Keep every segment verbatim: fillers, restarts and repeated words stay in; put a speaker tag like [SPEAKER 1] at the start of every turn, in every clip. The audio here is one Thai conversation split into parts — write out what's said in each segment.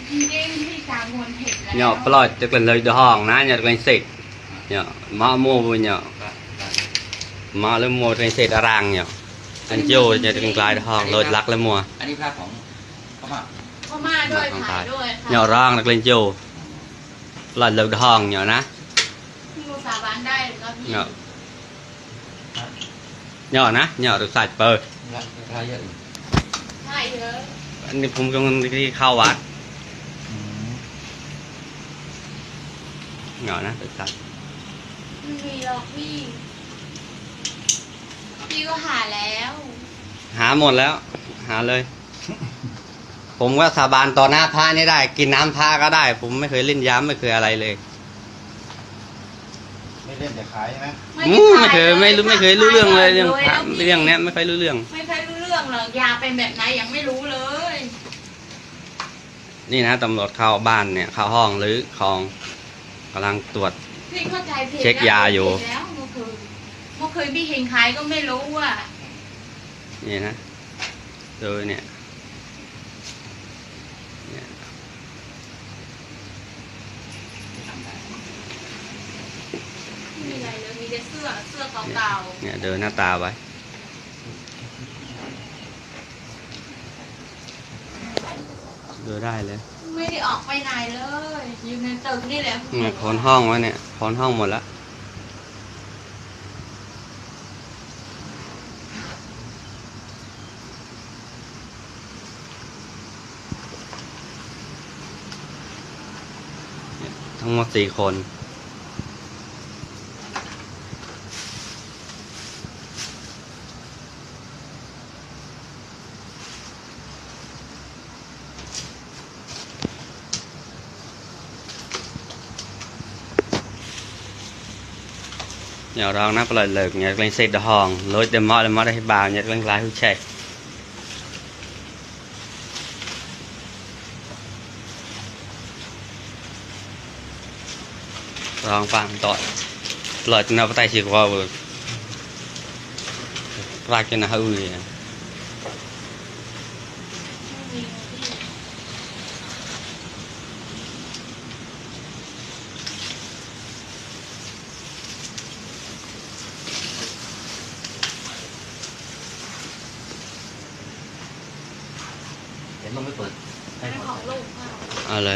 [SPEAKER 1] nhỏ plot tức là lời hòn ná nhật lên xịt nhỏ mã mua vui nhỏ mã lên mua lên xịt ràng nhỏ anh vô nhật lên lại hòn lời lắc lên mua
[SPEAKER 2] อันนี้ภาพของพม่า
[SPEAKER 3] พม่าด้วยถ่ายด้วยค่ะ
[SPEAKER 1] nhỏ ràng được lên vô là lời hòn nhỏ ná
[SPEAKER 3] พี่มูสาบานได้แล้วพี่
[SPEAKER 1] nhỏ nhỏ ná nhỏ được sạch bờ
[SPEAKER 2] ราคาเยอะ
[SPEAKER 3] ใช่เยอะ
[SPEAKER 1] anhผมกำลังที่เข้าวัด nhỏ ná được sạch
[SPEAKER 3] ไม่มีหรอกพี่พี่ก็หาแล้ว
[SPEAKER 1] หาหมดแล้วหาเลย ผมก็สาบานต่อหน้าพระนี่ได้ กินน้ำพระก็ได้ ผมไม่เคยเล่นย้ำไม่เคยอะไรเลย
[SPEAKER 2] ไม่เล่นแต่ขายใช่ไหม
[SPEAKER 1] อืมไม่เคยไม่รู้ไม่เคยรู้เรื่องเลยเรื่องพระเรื่องเนี้ยไม่เคยรู้เรื่อง
[SPEAKER 3] ไม่เคยรู้เรื่องหรอกยาเป็นแบบไหนยังไม่รู้เลย
[SPEAKER 1] นี่นะตำรวจเข้าบ้านเนี่ยเข้าห้องหรือของกำลังตรวจ
[SPEAKER 3] พี่เข้าใจผิด
[SPEAKER 1] เช็คยาอยู่
[SPEAKER 3] แล้วเมื่อคืนเมื่อคืนพี่เห็นขายก็ไม่รู้ว่า
[SPEAKER 1] นี่นะดูเนี่ยเนี่ย
[SPEAKER 3] ไม่มีอะไรเลยมีแต่เสื้อเสื้อเก่า
[SPEAKER 1] เนี่ยเดินหน้าตาไว้ดูได้เลย
[SPEAKER 3] ๆไม่ได้ออกไปไหนเลยอยู่ในตึกนี่แหละ
[SPEAKER 1] เนี่ยคนห้องไว้เนี่ยคนห้องหมดแล้วทั้งหมดสี่คนnhỏ rong nó lời lực nhật lên xe đò hòn lối đêm mò đêm mò đây bào nhật lên lái hưu chạy rong phạm tội lời nó tay chỉ qua vừa ra cái nào hư gì
[SPEAKER 2] เห็นมันไม่เปิดให้
[SPEAKER 3] เป็น
[SPEAKER 2] หม
[SPEAKER 3] ของ
[SPEAKER 2] ด
[SPEAKER 3] ลูกค่ะ
[SPEAKER 1] เอาเลย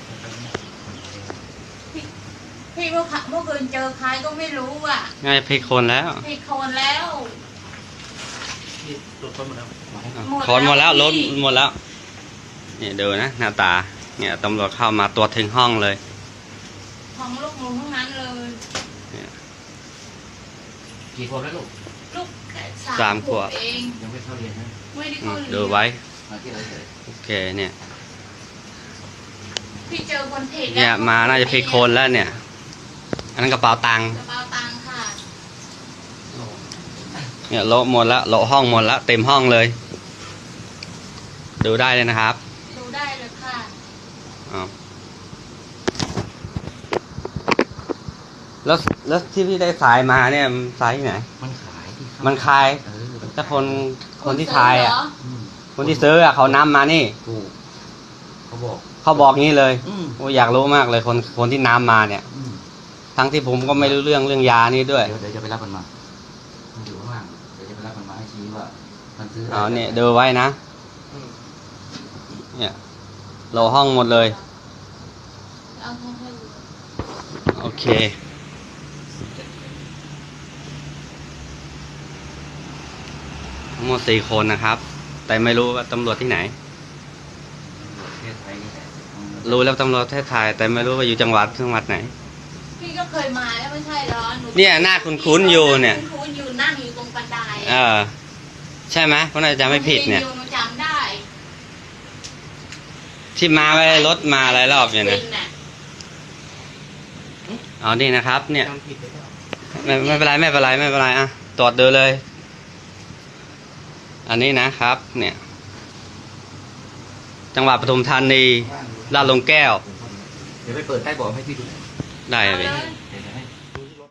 [SPEAKER 3] พี่พี่เมื่อเมื่อคืนเจอใครก็ไม่รู้อ่ะ
[SPEAKER 1] ง่ายพลิกคนแล้ว
[SPEAKER 3] พี่โคนแล้ว
[SPEAKER 2] ที่ตรวจคนหมดแล้ว
[SPEAKER 1] คอนหมดแล้วรถหมดแล้วเนี่ยดูนะหน้าตาเนี่ยตำรวจเข้ามาตรวจถึงห้องเลย
[SPEAKER 3] ของลูกหมูทั้งนั้นเลย
[SPEAKER 2] กี่คนแล้วลูก
[SPEAKER 3] ลูกแต่
[SPEAKER 1] สามขวบ
[SPEAKER 3] เอง
[SPEAKER 2] ยังไม่เข้าเรียนนะ
[SPEAKER 3] ไม่ได้
[SPEAKER 1] อื
[SPEAKER 3] เข้าม เรียน
[SPEAKER 1] ดูไว้
[SPEAKER 2] มาที่ไรเฉย
[SPEAKER 1] โอเคเนี่ย
[SPEAKER 3] พี่เจอบนเพจ
[SPEAKER 1] เนี่ยมาน่าจะพลิกคนแล้วเนี่ยอันนั้นกระเป๋าตังค์
[SPEAKER 3] กระเป๋าตังค์ค่ะ
[SPEAKER 1] เนี่ยโละหมดแล้วโละห้องหมดแล้วเต็มห้องเลย ดูได้เลยนะครับ
[SPEAKER 3] ดูได้เลยค่ะ
[SPEAKER 1] อ๋อแล้วแล้วที่พี่ได้สายมาเนี่ยสายที่ไหน
[SPEAKER 2] มันขายที่เข้
[SPEAKER 1] มันคาย
[SPEAKER 2] เออมัน
[SPEAKER 1] ถ้าคนคนที่ทายอ่ะ
[SPEAKER 3] เหร
[SPEAKER 2] อืม
[SPEAKER 1] คนที่ซื้ออ่ะเขานำมานี่
[SPEAKER 2] ถูกเขาบอก
[SPEAKER 1] เขาบอกงี้เลย
[SPEAKER 2] อืม
[SPEAKER 1] โอ้อยากรู้มากเลยคนคนที่นำมาเนี่ย
[SPEAKER 2] อืม
[SPEAKER 1] ทั้งที่ผมก็ไม่รู้เรื่องเรื่องยานี่ด้วย
[SPEAKER 2] เดี๋ยวเดี๋ยวจะไปรับมันมามันอยู่ข้างล่างเดี๋ยวจะไปรับมันมาให้ชี้ว่ามันซื้อ
[SPEAKER 1] เอาเนี่ยดูไว้นะ
[SPEAKER 2] อืม
[SPEAKER 1] เนี่ยโลห้องหมดเลย
[SPEAKER 3] เอาให้ให้ดู
[SPEAKER 1] โอเคทั้งหมดสี่คนนะครับ แต่ไม่รู้ว่าตำรวจที่ไหน
[SPEAKER 2] ประเทศไทยนี่แหละอืม
[SPEAKER 1] รู้แล้วตำรวจประเทศไทยแต่ไม่รู้ว่าอยู่จังหวัดจังหวัดไหน
[SPEAKER 3] พี่ก็เคยมาแล้วไม่ใช่เหรอหนู
[SPEAKER 1] เนี่ยหน้าคุ้นๆอยู่เนี่ย
[SPEAKER 3] คุ้นๆอยู่นั่งอยู่ตรงบันได
[SPEAKER 1] เออใช่ไหมเพราะน่าจะไม่ผิดเนี่ย
[SPEAKER 3] หนูจำได้
[SPEAKER 1] ที่มาไว้รถมาหลายรอบเนี่ยนะ
[SPEAKER 3] จริงน่ะ
[SPEAKER 1] เอานี่นะครับ เนี่ย
[SPEAKER 2] จำผิดไปแล้ว
[SPEAKER 1] ไม่ไม่เป็นไรไม่เป็นไรไม่เป็นไรอ่ะตรวจดูเลย อันนี้นะครับ เนี่ย จังหวัดปทุมธานีลาดหลุมแก้ว
[SPEAKER 2] เดี๋ยวไปเปิดใต้เบอกให้พี่ดูหน่อย
[SPEAKER 1] ได้
[SPEAKER 3] เอา
[SPEAKER 1] เลย
[SPEAKER 3] เลย